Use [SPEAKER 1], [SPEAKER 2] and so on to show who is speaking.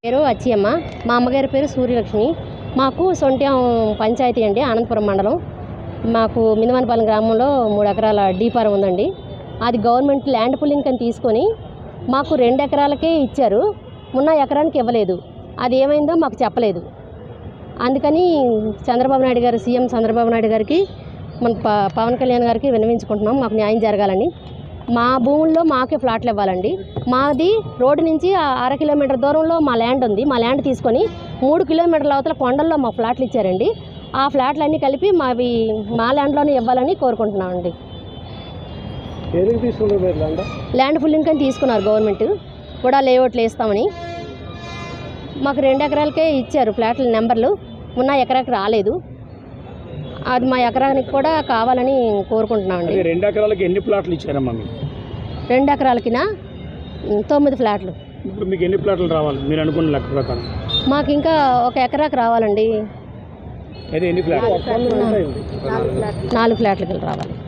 [SPEAKER 1] పేరు అచ్చియమ్మ, మా అమ్మగారి పేరు సూర్యలక్ష్మి. మాకు సొంట్యం పంచాయతీ అండి, ఆనందపురం మండలం. మాకు మినవనపాలెం గ్రామంలో 3 ఎకరాల డీపారం ఉందండి. అది గవర్నమెంట్ ల్యాండ్ పుల్లింగ్ అని తీసుకొని మాకు 2 ఎకరాలకే ఇచ్చారు. ఉన్న ఎకరానికి ఇవ్వలేదు. అది ఏమైందో మాకు చెప్పలేదు. అందుకని చంద్రబాబు నాయుడు గారు, సీఎం చంద్రబాబు నాయుడు గారికి, మన పవన్ కళ్యాణ్ గారికి విన్నవించుకుంటున్నాం మాకు న్యాయం జరగాలని. మా భూముల్లో మాకే ఫ్లాట్లు ఇవ్వాలండి. మాది రోడ్డు నుంచి 1/2 కిలోమీటర్ దూరంలో మా ల్యాండ్ ఉంది. మా ల్యాండ్ తీసుకొని 3 కిలోమీటర్ల అవతల కొండల్లో మా ఫ్లాట్లు ఇచ్చారండి. ఆ ఫ్లాట్లన్నీ కలిపి మా ల్యాండ్లోనే ఇవ్వాలని కోరుకుంటున్నామండి. ల్యాండ్ పుల్లింగ్ అని తీసుకున్నారు గవర్నమెంట్ కూడా, లేఅవుట్లు వేస్తామని. మాకు 2 ఎకరాలకే ఇచ్చారు ఫ్లాట్ల నెంబర్లు, ఉన్న ఎకరాకి రాలేదు. అది మా ఎకరానికి కూడా కావాలని కోరుకుంటున్నామండి.
[SPEAKER 2] 2 ఎకరాలకి ఎన్ని ప్లాట్లు ఇచ్చారమ్మా?
[SPEAKER 1] 2 ఎకరాలకినా 9 ఫ్లాట్లు.
[SPEAKER 2] ఇప్పుడు మీకు ఎన్ని ప్లాట్లు రావాలి మీరు అనుకున్న లెక్క ప్రకారం?
[SPEAKER 1] మాకు ఇంకా 1 ఎకరాకి రావాలండి.
[SPEAKER 2] ఎన్ని ఫ్లాట్లు?
[SPEAKER 1] 4 ఫ్లాట్లకి రావాలి.